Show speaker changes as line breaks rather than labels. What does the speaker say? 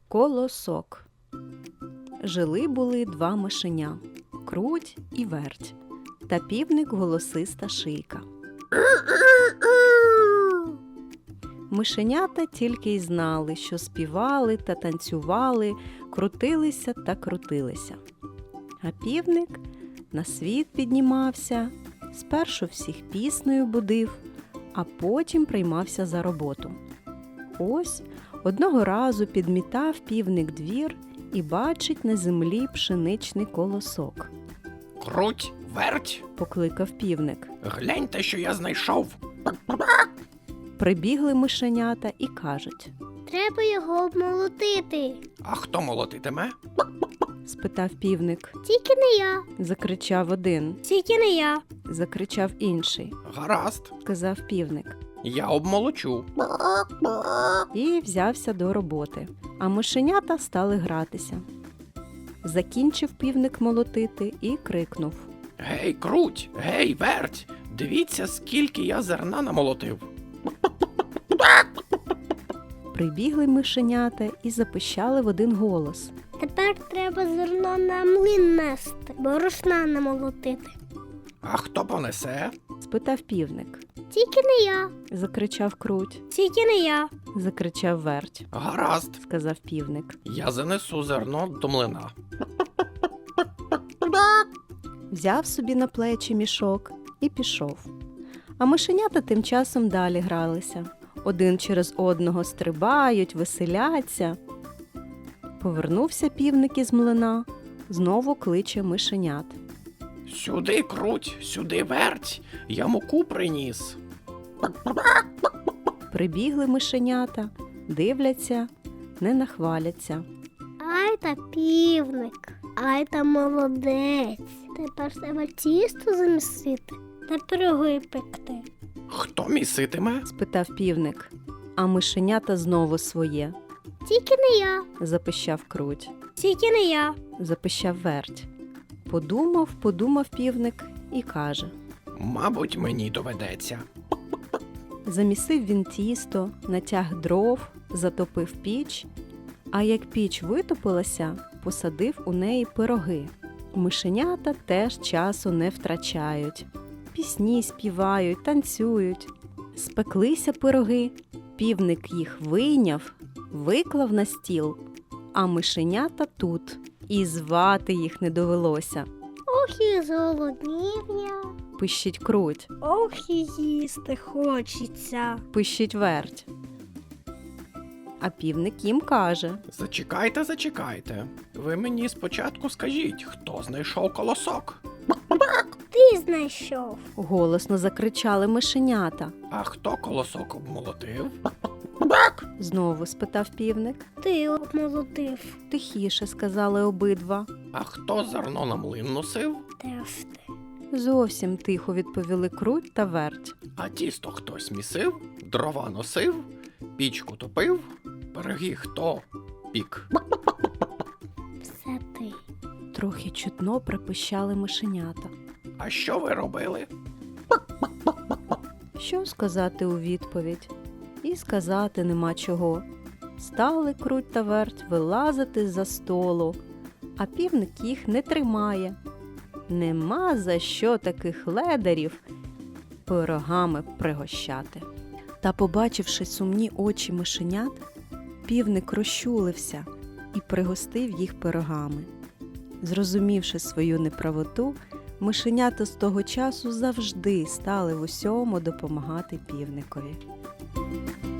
Колосок. Жили-були два мишеня – Круть і Верть, та півник голосиста Шийка. Мишенята тільки й знали, що співали та танцювали, крутилися та крутилися. А півник на світ піднімався, спершу всіх піснею будив, а потім приймався за роботу. Ось одного разу підмітав півник двір і бачить на землі пшеничний колосок.
Круть, Верть,
Покликав півник.
гляньте, що я знайшов.
Прибігли мишенята і кажуть.
Треба його обмолотити.
А хто молотитиме?
Спитав півник.
Тільки не я.
Закричав один.
Тільки не я.
Закричав інший.
Гаразд,
Сказав півник.
я обмолочу.
І взявся до роботи. А мишенята стали гратися. Закінчив півник молотити і крикнув.
Гей, Круть, гей, Верть, дивіться, скільки я зерна намолотив.
Прибігли мишенята і запищали в один голос.
Тепер треба зерно на млин нести, борошна намолотити.
А хто понесе?
Спитав півник.
Тільки не я.
Закричав Круть.
Тільки не я.
Закричав Верть.
Гаразд,
Сказав півник.
я занесу зерно до млина.
Взяв собі на плечі мішок і пішов. А мишенята тим часом далі гралися. Один через одного стрибають, веселяться. Повернувся півник із млина, знову кличе мишенят.
Сюди, Круть, сюди, Верть, я муку приніс.
Прибігли мишенята, дивляться, не нахваляться.
Ай та півник, ай та молодець. Тепер треба тісто замісити та пироги пекти.
Хто міситиме?
Спитав півник. А мишенята знову своє.
Тільки не я.
Запищав Круть.
Тільки не я.
Запищав Верть. Подумав півник і каже.
Мабуть, мені доведеться.
Замісив він тісто, натяг дров, затопив піч, а як піч витопилася, посадив у неї пироги. Мишенята теж часу не втрачають. Пісні співають, танцюють. Спеклися пироги, півник їх вийняв, виклав на стіл, а мишенята тут, і звати їх не довелося.
Ох і зголоднів я.
Пищить Круть,
Ох і їсти хочеться.
пищить Верть. А півник їм каже.
Зачекайте, зачекайте. Ви мені спочатку скажіть, хто знайшов колосок?
Ти знайшов.
Голосно закричали мишенята.
А хто колосок обмолотив?
Знову спитав півник.
Ти обмолотив.
Тихіше сказали обидва.
А хто зерно на млин носив?
Теж ти.
Зовсім тихо відповіли Круть та Верть.
А тісто хтось місив? Дрова носив? Пічку топив? Пироги хто пік?
Все ти.
Трохи чутно припищали мишенята.
А що ви робили?
Що сказати у відповідь? І сказати нема чого. Стали Круть та Верть вилазити з-за столу, а півник їх не тримає. Нема за що таких ледарів пирогами пригощати. Та, побачивши сумні очі мишенят, півник розчулився і пригостив їх пирогами. Зрозумівши свою неправоту, мишенята з того часу завжди стали в усьому допомагати півникові.